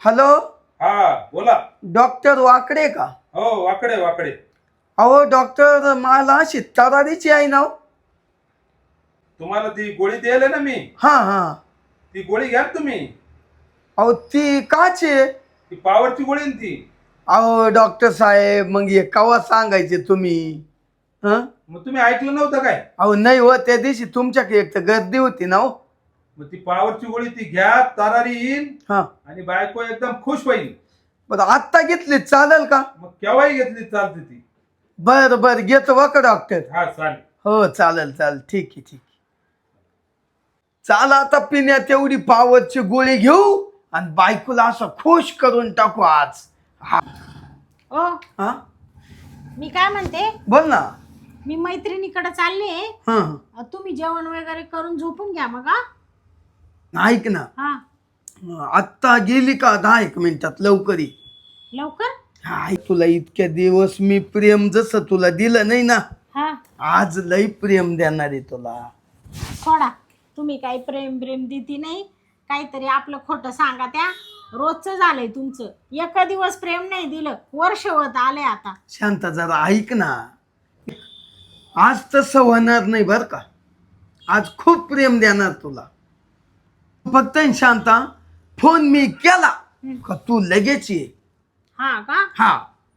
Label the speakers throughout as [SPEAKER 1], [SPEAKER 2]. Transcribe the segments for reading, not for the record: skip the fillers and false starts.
[SPEAKER 1] Hello,
[SPEAKER 2] हा बोला.
[SPEAKER 1] Doctor वाकडे का?
[SPEAKER 2] हो वाकडे वाकडे.
[SPEAKER 1] अहो डॉक्टर, मला अशी तरारीची आहे ना.
[SPEAKER 2] तुम्हाला ती गोळी द्यायला ना मी.
[SPEAKER 1] हा हा.
[SPEAKER 2] ती गोळी घ्या ना तुम्ही.
[SPEAKER 1] अहो ती काची आहे?
[SPEAKER 2] ती पावरची गोळी आहे ना ती.
[SPEAKER 1] अहो डॉक्टर साहेब, मग हे कवा सांगायचे तुम्ही? हं?
[SPEAKER 2] मग तुम्ही ऐकलं नव्हतं काय?
[SPEAKER 1] अहो नाही हो, त्या दिवशी तुमच्याकडे एक तर गर्दी होती ना हो.
[SPEAKER 2] मग ती पावरची गोळी ती घ्या, तरारी येईल
[SPEAKER 1] हा,
[SPEAKER 2] आणि बायको एकदम खुश होईल.
[SPEAKER 1] बरं आत्ता घेतली चालेल का?
[SPEAKER 2] मग केव्हाही घेतली चालते ती.
[SPEAKER 1] बर बर, घेतो बघ डॉक्टर.
[SPEAKER 2] हा चालेल.
[SPEAKER 1] हो चालेल चालेल, ठीक आहे ठीक आहे. चाल आता पिण्यात तेवढी पावरची गोळी घेऊ आणि बायकोला असं खुश करून टाकू आज. हा
[SPEAKER 3] ओ
[SPEAKER 1] हा,
[SPEAKER 3] मी काय म्हणते,
[SPEAKER 1] बोल ना.
[SPEAKER 3] मी मैत्रिणीकडे चालले.
[SPEAKER 1] हा,
[SPEAKER 3] तुम्ही जेवण वगैरे करून झोपून घ्या मग. हा
[SPEAKER 1] ऐक ना,
[SPEAKER 3] हा,
[SPEAKER 1] आत्ता गेली का 10 मिनिटात लवकर ये.
[SPEAKER 3] लवकर.
[SPEAKER 1] हाय, तुला इतक्या दिवस मी प्रेम जसं तुला दिलं नाही ना,
[SPEAKER 3] हा,
[SPEAKER 1] आज लई प्रेम देणार आहे तुला.
[SPEAKER 3] सोडा. तुम्ही काही प्रेम प्रेम देती नाही, काहीतरी आपलं खोटं सांगा. त्या रोजचं झालंय तुमचं. एक दिवस प्रेम नाही दिलं, वर्ष होत आले आता.
[SPEAKER 1] शांता जरा ऐक ना, आज तसं होणार नाही बर का. आज खूप प्रेम देणार तुला. फक्त आहे ना शांता, फोन मी केला का तू लगेच ये.
[SPEAKER 3] हा का?
[SPEAKER 1] हा,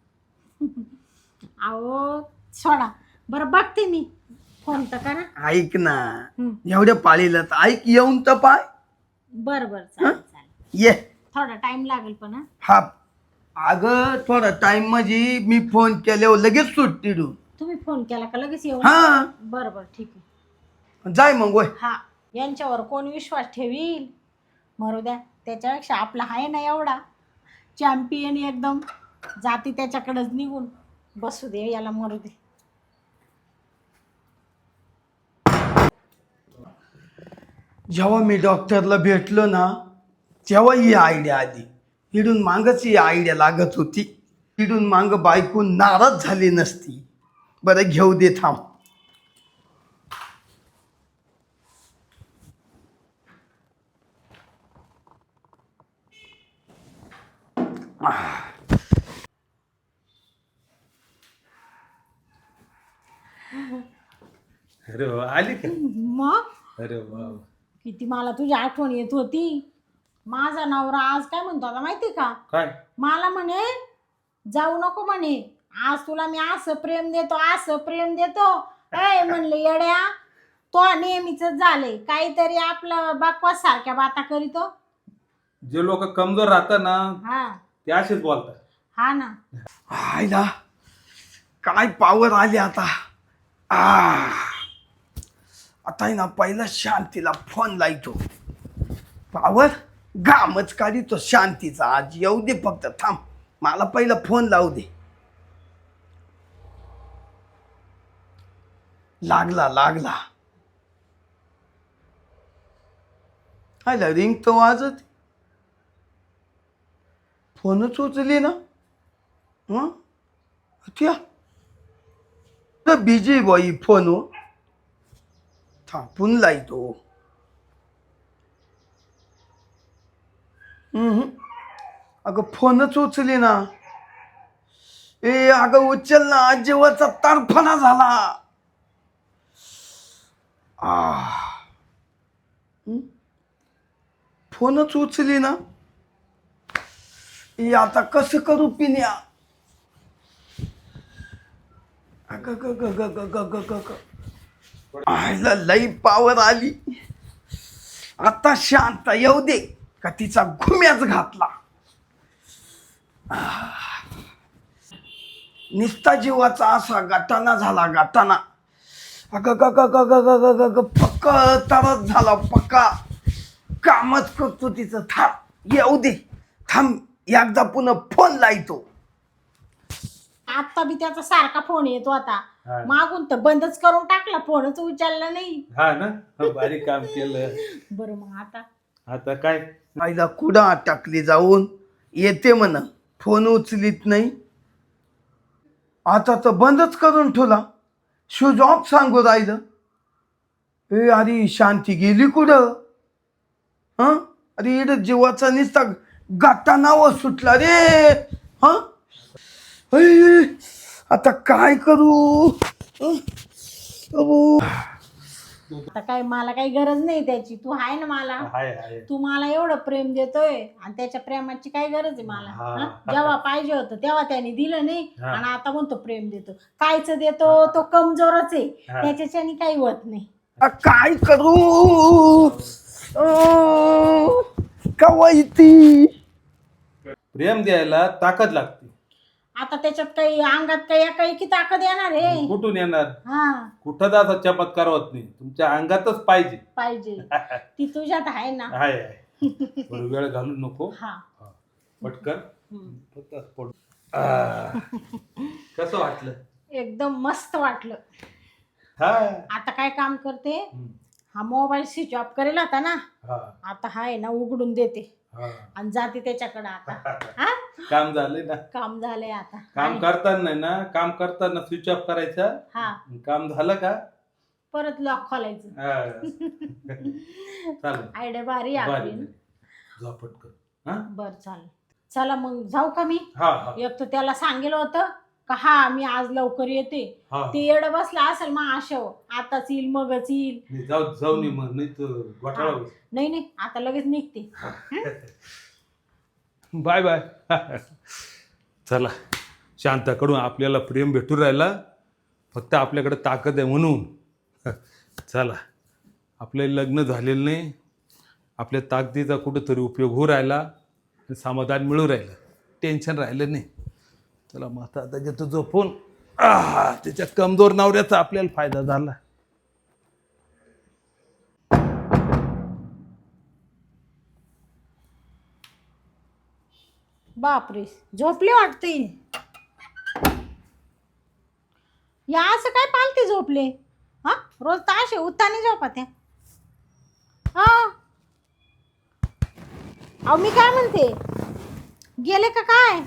[SPEAKER 3] अहो सोडा. बरं बघते मी, फोन तर करा.
[SPEAKER 1] ऐक ना, एवढ्या पाळीला तर ऐक, येऊन तर पाय.
[SPEAKER 3] बरं बरं, चालेल चालेल.
[SPEAKER 1] ये.
[SPEAKER 3] थोडा टाइम लागेल पण. हा,
[SPEAKER 1] हा, अगं थोडा टाइम म्हणजे मी फोन केल्यावर लगेच सुट्टी देऊ.
[SPEAKER 3] तुम्ही फोन केला का लगेच येऊ?
[SPEAKER 1] हा,
[SPEAKER 3] बरं बरं, ठीक आहे.
[SPEAKER 1] जाय मग वय.
[SPEAKER 3] हा, यांच्यावर कोण विश्वास ठेवील? मरू द्या. त्याच्यापेक्षा आपला आहे ना एवढा चॅम्पियन, एकदम जाती त्याच्याकडेच निघून बसू दे, याला मरू दे.
[SPEAKER 1] जेव्हा मी डॉक्टरला भेटलो ना, तेव्हा ही आयडिया आली. इडून मागच ही आयडिया लागत होती. इडून माग बायको नाराज झाली नसती. बरं घेऊ दे, थांब.
[SPEAKER 2] अरे वा, आली का?
[SPEAKER 3] मग
[SPEAKER 2] अरे वा.
[SPEAKER 3] किती मला तुझी आठवण येत होती. माझा नवरा आज काय म्हणतो आता माहिती का?
[SPEAKER 2] काय?
[SPEAKER 3] मला म्हणे जाऊ नको म्हणे, आज तुला मी असं प्रेम देतो, असं प्रेम देतो. ए म्हणले येड्या, तो नेहमीच झालंय, काहीतरी आपलं बकवास सारख्या बाता करीतो.
[SPEAKER 2] जे लोक कमजोर राहतात ना,
[SPEAKER 3] हा
[SPEAKER 2] ते असेच बोलतात.
[SPEAKER 3] हा ना.
[SPEAKER 1] आयला काय पावर आली आता. आता आहे ना, पहिला शांतीला फोन लायतो. पावर गामच काढितो शांतीचा. आज येऊ दे, फक्त थांब. मला पहिला फोन लावू दे. लागला लागला. आयला रिंग तो वाजत, फोनच उचली ना. हं, त्या बिजी बाई फोन थांबून लायतो. अगं फोनच उचली ना. ए अगं उचल ना, जीवाचा तारफणा झाला. फोनच उचली ना. ए आता कसं करू पिण्या. आयला लई पावर आली. आता शांत येऊ दे का तिचा घुम्याच घातला. निस्ता जीवाचा असा गाठाना झाला, गाठाना. पक्का तरच झाला, पक्का. कामच करतो तिचं. थांब, येऊ दे, थांब. एकदा पुन्हा फोन लायतो.
[SPEAKER 3] आता बी त्याचा सारखा फोन येतो आता.
[SPEAKER 2] हा.
[SPEAKER 3] मागून तर बंदच करून टाकला, फोनच उचलला नाही.
[SPEAKER 2] हा ना, भारी काम केलं.
[SPEAKER 3] बरं मग
[SPEAKER 2] आता काय?
[SPEAKER 1] आईला कुठं टाकली जाऊन. येते म्हणा, फोन उचलीत नाही. आता तर बंदच करून ठेवला. स्विच ऑफ सांगू राहिलं. ए अरे शांती गेली कुठं? अरे इकडं जीवाचा निसता गाता नाव सुटला रे. हा आता काय करू. अहो.
[SPEAKER 3] आता काय मला काही गरज नाही त्याची, तू आहे ना मला.
[SPEAKER 2] आहे
[SPEAKER 3] तू मला एवढं प्रेम देतोय आणि त्याच्या प्रेमाची काय गरज आहे मला.
[SPEAKER 2] हा.
[SPEAKER 3] हं? जेव्हा पाहिजे होतं तेव्हा त्याने दिलं नाही
[SPEAKER 2] हा.
[SPEAKER 3] आणि आता म्हणतो प्रेम देतो. कायच देतो, तो कमजोरच आहे,
[SPEAKER 2] हा.
[SPEAKER 3] त्याच्याच्याने काही होत नाही.
[SPEAKER 1] काय करू. कवाई ती
[SPEAKER 2] प्रेम द्यायला ताकद लागते.
[SPEAKER 3] आता त्याच्यात काही अंगात काही की ताकद येणार आहे.
[SPEAKER 2] कुठून येणार.
[SPEAKER 3] हा
[SPEAKER 2] कुठं असा चमत्कार होत नाही, तुमच्या अंगातच पाहिजे.
[SPEAKER 3] पाहिजे ती तुझ्यात आहे ना.
[SPEAKER 2] आहे थोडं वेळ घालू नको.
[SPEAKER 3] हा
[SPEAKER 2] पटकन
[SPEAKER 3] हम्म.
[SPEAKER 2] फक्त पडू. कसं वाटलं.
[SPEAKER 3] एकदम मस्त वाटलं.
[SPEAKER 2] हा
[SPEAKER 3] आता काय काम करते,
[SPEAKER 2] हम्म.
[SPEAKER 3] हा मोबाईल स्विच ऑफ करेल होता ना,
[SPEAKER 2] हा
[SPEAKER 3] आता हा आहे ना उघडून देते
[SPEAKER 2] हा.
[SPEAKER 3] आणि जाते त्याच्याकडे. आता हा
[SPEAKER 2] काम झालंय ना.
[SPEAKER 3] काम झालंय आता.
[SPEAKER 2] काम
[SPEAKER 3] आणि-
[SPEAKER 2] करताना ना, काम करताना स्विच ऑफ करायचा.
[SPEAKER 3] हा
[SPEAKER 2] काम झालं का
[SPEAKER 3] परत लॉक खोलायचं.
[SPEAKER 2] चालेल.
[SPEAKER 3] आयडिया भारी आहे आपली ना.
[SPEAKER 2] जा पटकन. हा
[SPEAKER 3] बर चालेल. चला मग जाऊ का मी.
[SPEAKER 2] हा हा
[SPEAKER 3] एक तर त्याला सांगितलं होतं का हा मी आज लवकर येते,
[SPEAKER 2] हा.
[SPEAKER 3] ते येड बसला असेल मग आशव आताच येईल मगच येईल.
[SPEAKER 2] नाही, जाऊ नाही मग, नाही तर घोटाळा होईल.
[SPEAKER 3] नाही आता लगेच निघते.
[SPEAKER 2] Bye bye. चला, शांताकडून आपल्याला प्रेम भेटून राहिला, फक्त आपल्याकडे ताकद आहे म्हणून. चला, आपले लग्न झालेलं नाही, आपल्या ताकदीचा कुठंतरी उपयोग होऊ राहिला, समाधान मिळू राहिलं, टेन्शन राहिलं नाही. चला मग आता घेतो झोपून. त्याच्या कमजोर नवऱ्याचा आपल्याला फायदा झाला.
[SPEAKER 3] बापरे झोपले वाटते. या असं काय पालते झोपले. हा रोज ताशे उत्तानी झोपा त्या. हा अहो मी काय म्हणते, गेले का काय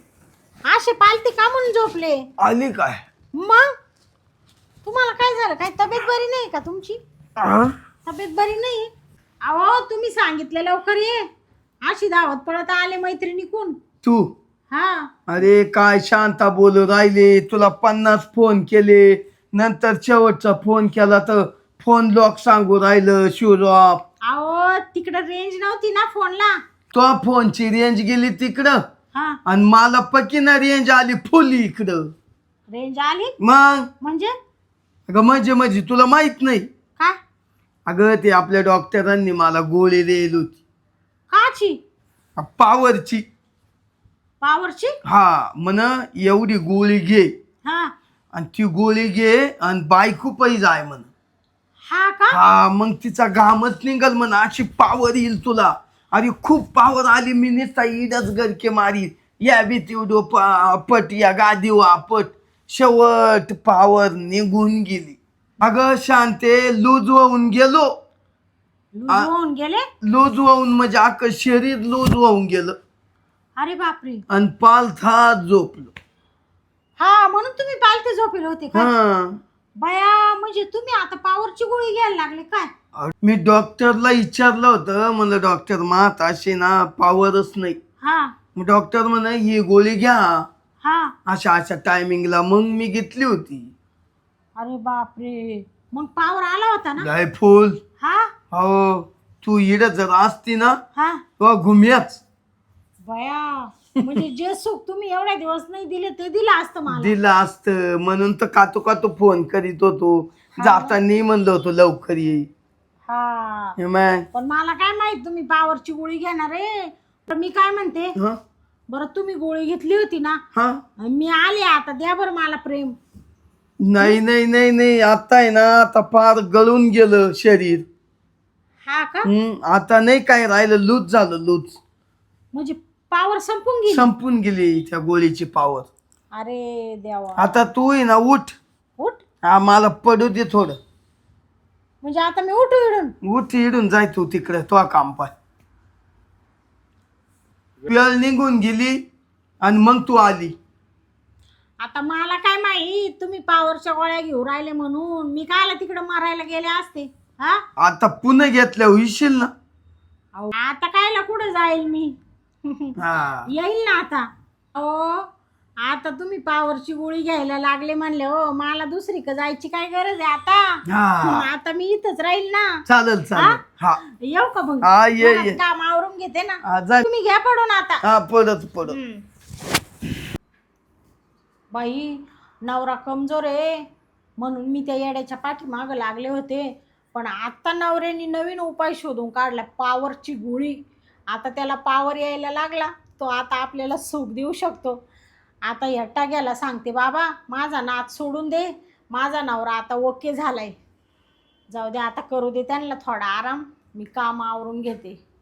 [SPEAKER 3] असे पालते का म्हणून झोपले.
[SPEAKER 1] आली काय.
[SPEAKER 3] मग तुम्हाला काय झालं, काय तब्येत बरी नाही का तुमची. तब्येत बरी नाही. अहो तुम्ही सांगितलं लवकर ये, अशी धावत पडत आले मैत्रिणी कोण.
[SPEAKER 1] तू
[SPEAKER 3] हा
[SPEAKER 1] अरे काय शांता बोलू राहिले, तुला 50 फोन केले, नंतर शेवटचा फोन केला तर फोन लॉक सांगू राहिलं स्विच ऑफ.
[SPEAKER 3] अहो तिकडं रेंज नव्हती ना फोनला.
[SPEAKER 1] तो फोनची रेंज गेली तिकडं
[SPEAKER 3] हा
[SPEAKER 1] आणि मला पकीना रेंज आली फुल इकडं.
[SPEAKER 3] रेंज आली
[SPEAKER 1] मग
[SPEAKER 3] म्हणजे
[SPEAKER 1] अगं म्हणजे तुला माहित नाही.
[SPEAKER 3] काय
[SPEAKER 1] अगं ते आपल्या डॉक्टरांनी मला गोळी दिली होती
[SPEAKER 3] काची
[SPEAKER 1] पावरची.
[SPEAKER 3] पावरची.
[SPEAKER 1] हा म्हण एवढी गोळी घे
[SPEAKER 3] हा
[SPEAKER 1] आणि ती गोळी घे आणि बायको पै जाय म्हण.
[SPEAKER 3] हा का.
[SPEAKER 1] हा मग तिचा घामच निघल म्हण, अशी पावर येईल तुला. अरे खूप पावर आली, मी नुसता इडच गरके मारी, या भीतीवडो पट या गादीव आपट, शेवट पावर निघून गेली. अगं शांते लूज होऊन गेलो.
[SPEAKER 3] लूज होऊन गेले.
[SPEAKER 1] लूज होऊन म्हणजे अख्खं शरीर लूज होऊन गेलं
[SPEAKER 3] अरे बापरे.
[SPEAKER 1] आणि पालथात झोपलो.
[SPEAKER 3] हा म्हणून तुम्ही पालते झोपेल होते का.
[SPEAKER 1] हा
[SPEAKER 3] बया म्हणजे तुम्ही आता पावरची गोळी घ्यायला लागले काय.
[SPEAKER 1] मी डॉक्टरला विचारलं होतं, म्हणलं डॉक्टर मात अशी ना पावरच नाही.
[SPEAKER 3] हा
[SPEAKER 1] मग डॉक्टर म्हणे ही गोळी घ्या
[SPEAKER 3] हा.
[SPEAKER 1] अशा टायमिंगला. मग मी घेतली होती.
[SPEAKER 3] अरे बापरे मग पावर आला होता ना.
[SPEAKER 1] लय फुल.
[SPEAKER 3] हा
[SPEAKER 1] हो तू इड जर असती ना
[SPEAKER 3] हा.
[SPEAKER 1] तो घुम्याच
[SPEAKER 3] बया म्हणजे जे सुख तुम्ही एवढ्या दिवस नाही दिले ते दिलं असतं मला.
[SPEAKER 1] दिलं असतं म्हणून तर कातो फोन करीत होतो. जाताना म्हणलं होतो लवकर ये.
[SPEAKER 3] हा
[SPEAKER 1] हे मग
[SPEAKER 3] पण मला काय माहित तुम्ही पावरची गोळी घेणार आहे. तर मी काय म्हणते,
[SPEAKER 1] हं?
[SPEAKER 3] बरं तुम्ही गोळी घेतली होती ना,
[SPEAKER 1] हा
[SPEAKER 3] मी आले आता द्या बरं मला प्रेम.
[SPEAKER 1] नाही आता आहे ना, आता फार गळून गेलं शरीर.
[SPEAKER 3] हा का
[SPEAKER 1] आता नाही काय राहिलं, लूज झालं लूज.
[SPEAKER 3] म्हणजे पावर संपून गेली.
[SPEAKER 1] संपून गेली त्या गोळीची पावर.
[SPEAKER 3] अरे देवा.
[SPEAKER 1] आता तू आहे ना उठ.
[SPEAKER 3] उठ
[SPEAKER 1] मला पडू दे थोडं.
[SPEAKER 3] म्हणजे आता मी उठू इडून.
[SPEAKER 1] उठ इडून जाय तू तिकडे, तो काम पाय. वेळ निघून गेली आणि मग तू आली.
[SPEAKER 3] आता मला काय माहित तुम्ही पावरच्या गोळ्या घेऊ राहिले म्हणून. मी कायला तिकडे मारायला गेले असते. हा
[SPEAKER 1] आता पुन्हा घेतल्या होईशील ना.
[SPEAKER 3] अहो, आता कायला कुठे जाईल मी.
[SPEAKER 1] हा
[SPEAKER 3] येईल ना आता. हो, आता तुम्ही पावरची गोळी घ्यायला लागले म्हणले हो, मला दुसरीकडे जायची काय गरज आहे आता.
[SPEAKER 1] हा
[SPEAKER 3] आता मी इथंच राहील ना.
[SPEAKER 1] चालेल चालेल. हा
[SPEAKER 3] येऊ का मग?
[SPEAKER 1] हा, ये,
[SPEAKER 3] घरात
[SPEAKER 1] ये.
[SPEAKER 3] काम आवरून घेते ना.
[SPEAKER 1] हा, जा.
[SPEAKER 3] तुम्ही घ्या पडून आता.
[SPEAKER 1] हा पडत पडत.
[SPEAKER 3] बाई नवरा कमजोर आहे म्हणून मी त्या येड्याच्या पाठीमागं लागले होते. पण आता नवऱ्याने नवीन उपाय शोधून काढला, पावरची गोळी. आता त्याला पावर यायला लागला, तो आता आपल्याला सुख देऊ शकतो. आता या टाग्याला सांगते, बाबा माझा नाद सोडून दे, माझा नवरा आता ओके झालाय, जाऊ दे आता, करू दे त्यांना थोडा आराम, मी काम आवरून घेते.